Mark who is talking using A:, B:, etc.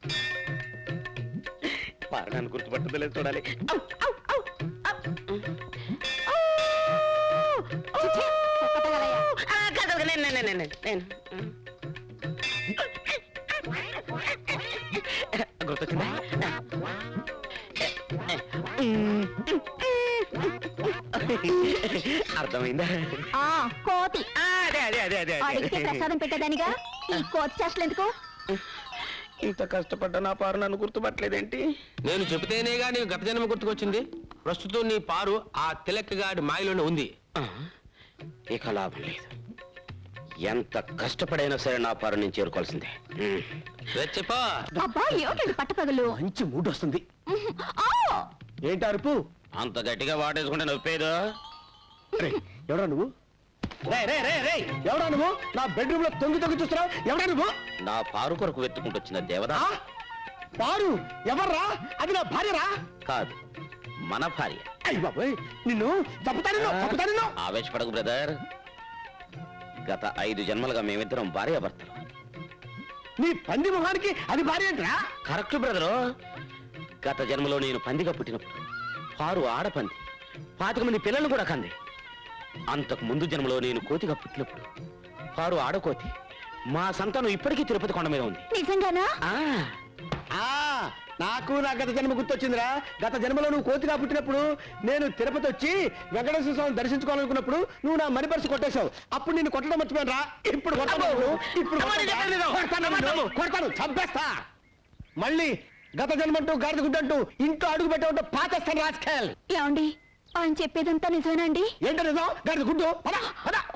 A: పారడాన్ని గుర్తుపట్టదు లేదు చూడాలి. గుర్తొచ్చిందా? అర్థమైందా?
B: కోతి
A: అదే అదే అదే అదే
B: అడిగితే ప్రసాదం పెట్టేదానిగా ఈ కోతి చేష్టలు ఎందుకు?
A: ఇంత కష్టపడ్డా నా పారు నన్ను గుర్తుపట్టలేదేంటి?
C: నేను చెబితేనేగా నీకు గత జన్మ గుర్తుకొచ్చింది. ప్రస్తుతం నీ పారు ఆ తిలక్కగాడి మాయలోనే ఉంది.
A: ఇక లాభం లేదు. ఎంత కష్టపడైనా సరే నా పారు నేను చేరుకోవాల్సిందే.
C: చెప్పా
B: అబ్బా ఏమిటండి పట్టపగలు?
A: మంచి మూడ్ వస్తుంది. ఏంటి అరుపు? అంత గట్టిగా వాటేసుకుంటే నొప్పేదో. ఎవడా నువ్వు? ఎవడా నువ్వు? నా బెడ్రూమ్ లో తొంగి తొంగి చూస్తున్నావు. ఎవడా నువ్వు? నా పారు కొరకు వెతుకుంటూ వచ్చిన దేవదా. పారు ఎవర్రా? అది నా భార్యరా? కాదు, మన భార్య. అయ్య బాబోయ్, నిన్ను చంపుతాను. ఆవేశపడకు బ్రదర్. గత 5 జన్మలుగా మేమిద్దరం భార్యాభర్తలు. నీ పంది మొహానికి అది భార్య ఏంట్రా? Correct brother. గత జన్మలో నేను పందిగా పుట్టినప్పుడు పారు ఆడపంది 25 మంది పిల్లలు కూడా కంది. అంతకు ముందు జన్మలో నేను కోతిగా పుట్టినప్పుడు పారు ఆడకోతి. మా సంతానం ఇప్పటికీ తిరుపతి కొండ మీద ఉంది.
B: నిజంగానా?
A: నాకు నా గత జన్మ గుర్తొచ్చిందిరా. గత జన్మలో నువ్వు కోతిగా పుట్టినప్పుడు నేను తిరుపతి వచ్చి వెంకటేశ్వర స్వామిని దర్శించుకోవాలనుకున్నప్పుడు నువ్వు నా మణి పర్సు కొట్టేశావు. అప్పుడు నేను కొట్టడం మర్చిపోయాను రా. ఇప్పుడు కొడతాను, చంపేస్తా. మళ్ళీ గత జన్మంటూ గాడిద గుడ్డంటూ ఇంట్లో అడుగు పెట్టమంటూ పాతేస్తాను రాజకీయాలు.
B: ఏమండి ఆయన చెప్పేదంతా నిజమేనండి?
A: ఏంటో నిజం? గాడిద గుడ్డు.